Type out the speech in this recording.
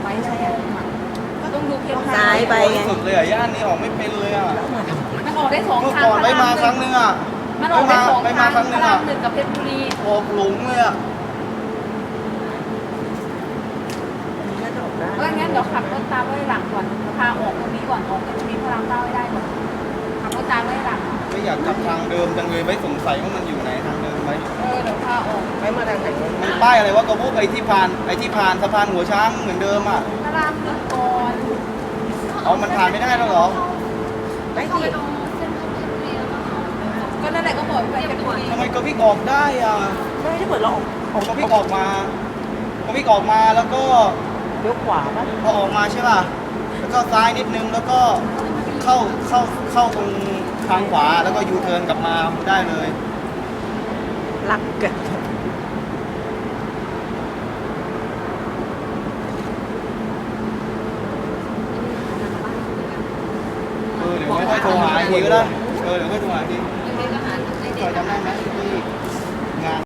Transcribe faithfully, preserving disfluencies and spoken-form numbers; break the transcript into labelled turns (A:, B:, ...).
A: ไปใช่ไหมก็ต้องดูเพียง
B: ซ้ายไปไง
C: สุดเลยอ่ะย่านนี้ออกไม่เป็นเลยอ่ะ
A: มันออกได้สอง
C: เมื่อ
A: ทาง
C: ก่อนไปมาครั้งนึงอ่ะ
A: มันออกได้สอง
C: ไป
A: ทาง
C: มาครั้งนึ
A: พ
C: ง
A: ระรา
C: อ่ะ
A: มหนึ่งกับเพชรบุรี
C: ออกหลงเลยอ่ะ
A: ก็งั้นเดี๋ยวขับรถตามไว้หลังก่อนพาออกตรงนี้ก่อนออกตรงนี้พระรามเก้าให้ได้ก่อนขับรถตามไว้หลัง
C: ไม่อยากกลับทางเดิมจังเลยไม่สงสัยว่ามันอยู่ไหนทางเดิมไหม
A: เออเดี๋ยวพาออก
B: ไปมาทางไหน
C: มันป้ายอะไรวะกระบุกไอ้ที่ผ่านไอ้ที่ผ่านสะพานหัวช้างเหมือนเดิมอ่ะ
A: พระรามหนึ่งก่อน
C: เอามันผ่านไม่ได้แล้วเหรอ
B: ไปสิ
A: ก็นั่นแหละก็บอกไปเพชรบุรี
C: ทำไมกระพิกออกได้อ่ะ
B: ไม่ได้เปิดเราออกออก
C: กระพิกออกมากระพิกออกมาแล้วก็
B: เลี้ยวขวาป่ะ
C: พอออกมาใช่ป่ะแล้วก็ซ้ายนิดนึงแล้วก็เข้าเข้าเข้าตรงทางขวาแล้วก็ยูเทิร์นกลับมาได้เลย
B: ลักเกิด
C: เออเดี๋ยวไม่ค่อยโทรหาอีกทีก็ได้เออเดี๋ยวค่อยโทรหาอีกที